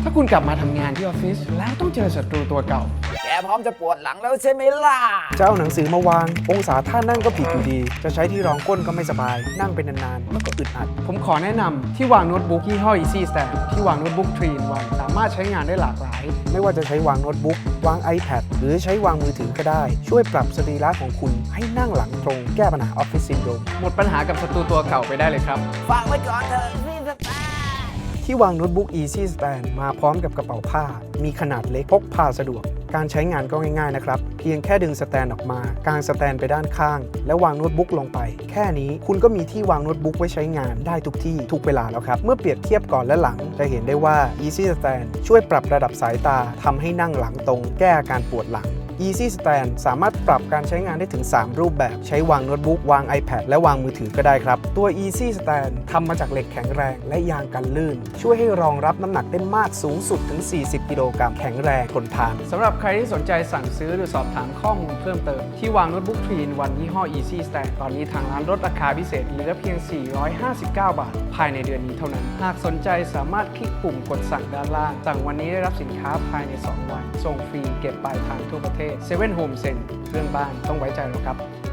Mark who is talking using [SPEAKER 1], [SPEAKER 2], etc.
[SPEAKER 1] ถ้าคุณกลับมาทำงานที่ออฟฟิศแล้วต้องเจอศัตรูตัวเก่า
[SPEAKER 2] แกพร้อมจะปวดหลังแล้วใช่ไหมล่ะ
[SPEAKER 3] จะเอาหนังสือมาวางองศาท่านั่งก็ผิดอยู่ดีจะใช้ที่รองก้นก็ไม่สบายนั่งเป็นนานๆแล้วก็อึดอัด
[SPEAKER 1] ผมขอแนะนำที่วางโน้ตบุ๊กยี่ห้อ Easy Stand ที่วางโน้ตบุ๊ก 3-in-1 สามารถใช้งานได้หลากหลาย
[SPEAKER 3] ไม่ว่าจะใช้วางโน้ตบุ๊กวาง iPad หรือใช้วางมือถือก็ได้ช่วยปรับสรีระของคุณให้นั่งหลังตรงแก้ปัญหาออฟฟิศซินโดรม
[SPEAKER 1] หมดปัญหากับศัตรูตัวเก่าไปได้เลยครับ
[SPEAKER 2] ฟังไว้ก่อนเถอะพี่สตาร์
[SPEAKER 3] ที่วางโน้ตบุ๊ก Easy Stand มาพร้อมกับกระเป๋าผ้ามีขนาดเล็กพกพาสะดวกการใช้งานก็ง่ายๆนะครับเพียงแค่ดึงสแตนออกมากางสแตนไปด้านข้างแล้ววางโน้ตบุ๊กลงไปแค่นี้คุณก็มีที่วางโน้ตบุ๊กไว้ใช้งานได้ทุกที่ทุกเวลาแล้วครับเมื่อเปรียบเทียบก่อนและหลังจะเห็นได้ว่า Easy Stand ช่วยปรับระดับสายตาทำให้นั่งหลังตรงแก้อาการปวดหลังEasy Stand สามารถปรับการใช้งานได้ถึง 3 รูปแบบใช้วางโน้ตบุ๊กวาง iPad และวางมือถือก็ได้ครับตัว Easy Stand ทำมาจากเหล็กแข็งแรงและยางกันลื่นช่วยให้รองรับน้ำหนักได้มากสูงสุดถึง 40 กิโลกรัมแข็งแรงทนทาน
[SPEAKER 1] สำหรับใครที่สนใจสั่งซื้อหรือสอบถามข้อมูลเพิ่มเติมที่วางโน้ตบุ๊ก 3-in-1 ยี่ห้อ Easy Stand ตอนนี้ทางร้านลดราคาพิเศษเหลือเพียง 459 บาทภายในเดือนนี้เท่านั้นหากสนใจสามารถคลิกปุ่มกดสั่งด้านล่างสั่งวันนี้ได้รับสินค้าภายใน2 วันส่งฟรีเก็บปลายทางทั่วประเทศ7 Home Sense เรื่องบ้านต้องไว้ใจเราครับ